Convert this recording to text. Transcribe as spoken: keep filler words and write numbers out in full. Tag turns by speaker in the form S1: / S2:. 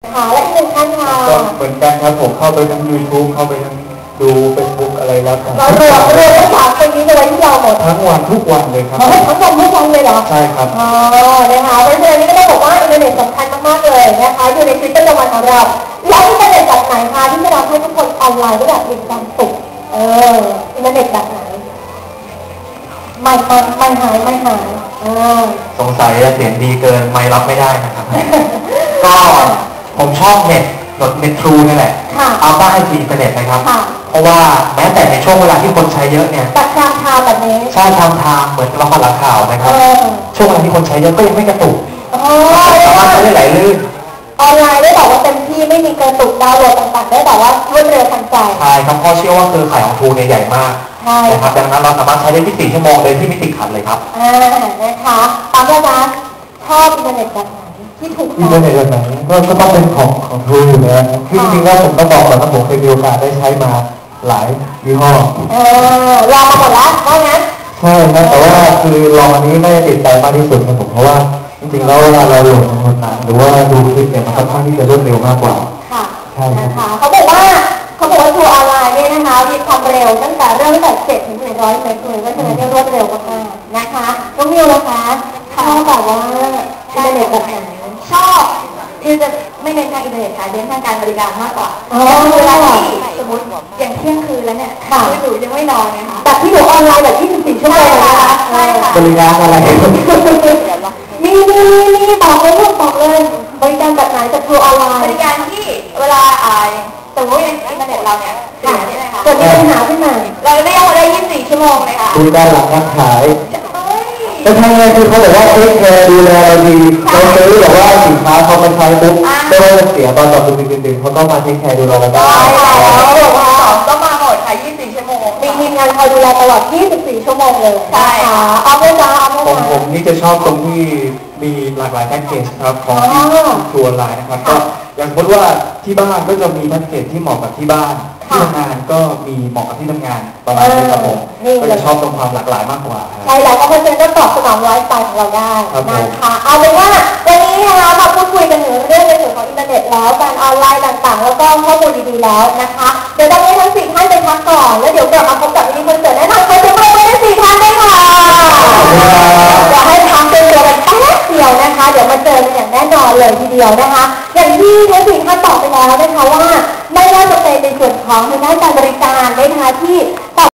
S1: ค่ะและอีกหนึ่งท่านค่ะ
S2: ก็เหมือนกันครับผมเข้าไปทั้ง ยูทูบ เข้าไปทั้งดูเฟซบุ๊กอะไรแล้วกัน
S1: เรารวมรวมทั้งสามคนนี้ในวันที่เราหมด
S2: ทั้งวันทุกวันเลยครับ
S1: ทั้งวันทุกวันเลยเหรอ
S2: ใช่ครับ
S1: อ๋อนะคะเพราะฉะนั้นนี่ก็ต้องบอกว่าอินเทอร์เน็ตสำคัญมากๆเลยนะคะอยู่ในชีวิตประจำวันของเราแล้วอินเทอร์เน็ตแบบไหนคะที่จะทำให้ทุกคนออนไลน์ได้แบบมีความสุขเอออินเทอร์เน็ตแบบไหนไม่ไม่ไม่หายไม่หายเออ
S2: สงสัยเสียงดีเกินไม่รับไม่ได้นะครับก็ผมชอบเน็ตหนดเน็ตทรูนี่แหละเอาบ้าให้ฟรีอินเทอร์เน็ตนะครับเพราะว่าแม้แต่ในช่วงเวลาที่คนใช้เยอะเนี่ย
S1: ตัดทางทางแบบนี้
S2: ใช่ทางทางเหมือนละครหลังข่าวนะครับช่วงเวลาที่คนใช้เยอะก็ยังไม่กระตุกสามารถใช้ได้ไหลลื่น
S1: ออนไลน์ได้บอกว่าเต็มที่ไม่มีกระตุกดาวน์โหลดต่างๆได้แต่ว่ารวดเร็วทันใจ
S2: ใช่ครับเพราะเชื่อว่าเครือข่ายของทรูเนี่ยใหญ่มากนะครับดังนั้นเราสามารถใช้ได้ที่สี่ชั่วโมงโดยที่ไม่ติดขัดเลยครับ
S1: อ่านะคะตามระดับชอบอินเทอร์เน็ตแบบไหนที่ถูก
S2: อินเทอร์เน็ตแบบไหนก็ก็ต้องเป็นของของทรูอยู่แล้วจริงๆแล้วผมต้องบอกก่อนว่าผมเคยมีโอกาสได้ใช้มาหลายยี่ห้อ
S1: เออลองมาหมดแล้วว่างั้น
S2: ใช่นะแต่ว่าคือลองอันนี้ไม่ได้ติดใจมากที่สุดนะผมเพราะว่าจริงๆแล้วเวลาเราโหลดหนังหรือว่าดูคลิปเนี่ยมันค่อนข้างที่จะรวดเร็วมากกว่า
S1: ค่ะใช่นะคะเขาบอกว่าเขาบอกว่าทัวร์ออนไลน์เนี่ยนะคะมีความเร็วตั้งแต่เริ่มตั้งแต่เจ็ดถึงหนึ่งร้อยเมกเลยว่าฉะนั้นเนี่ยรวดเร็วมากๆนะคะน้องมิวนะคะชอบแบบว่าอินเทอร์เน็ตแบบไหน
S3: ชอบคือจะไม่เน้นทางอินเทอร์เน็ตค่ะเน้นทางการบริการมากกว่า
S1: อ๋อ
S3: เวลาที่สมมติอย่างเที่ยงคืนแล้วเนี่ยคือหนูยังไม่นอนไงคะ
S1: แบบที่หนูออนไลน์แบบยี่สิบสี่ชั่วโมงนะคะ
S3: ใช่ค่ะ
S2: บริการอะไร
S1: มีมีมีบอกเลยลูกบอกเลยบริการแบบไหนจะทัวร์ออนไลน์
S3: บริการที่เวลาอ่าสมมติอินเทอร์เน็ตเราเนี่ยเสียนี่เลยค่ะ
S1: เกิดมีปัญหาขึ้นมา
S3: เราเรียกว่าได้ยี่สิบสี่ชั่วโมงเลยค่ะ
S2: บริการหลังการขายแต่ทางไงคือเขาบอกว่าเทคแคร์ดูแลเราดีเราซื้อแบบว่าสินค้าเขามาใช้ปุ๊บไม่ว่าจะเสียตอนต่อไปดึงๆเขาต้องมาเทคแคร์ดูแลเราได้
S3: ต้องมาหมดค่ะยี่สิบสี่ชั่วโมง
S1: มีทีมงานคอยดูแลตลอดยี่สิบสี่ชั่วโมงเลย
S3: ใช่
S1: ค่ะเอาไปจ้าเอาไป
S2: ผมผมนี่จะชอบตรงที่มีหลากหลายแพ็กเกจครับของที่ทัวร์ไลน์นะครับก็อย่างสมมติว่าที่บ้านก็จะมีแพ็กเกจที่เหมาะกับที่บ้านที่ทำงานก็มีเหมาะกับที่ทำงานประมาณนี้ครับผมก็จะชอบตรงความหลากหลายมากกว่า
S1: ใช่แล้วก็เพราะฉะนั้นก็ตอบสนองไลฟ์สไตล์ของเราได้นะคะเอาเป็นว่าวันนี้นะคะมาพูดคุยกันถึงเรื่องในส่วนของอินเทอร์เน็ตแล้วการออนไลน์ต่างๆแล้วก็ข้อมูลดีๆแล้วนะคะเดี๋ยวตอนนี้ทั้งสี่ท่านไปพักก่อนแล้วเดี๋ยวกลับมาพบกับมินิคอนเสิร์ตแน่นอนใครจะมาเป็นสี่ท่านได้ค่ะเดี๋ยวให้พักเป็นตัวกันแป๊บเดียวนะคะเดี๋ยวมาเจอกันอย่างแน่นอนเลยทีเดียวนะคะอย่างที่ทั้งสี่ท่านบอกไปแล้วนะคะว่าไม่ว่าจะเป็นในส่วนของทางด้านการบริการนะคะที่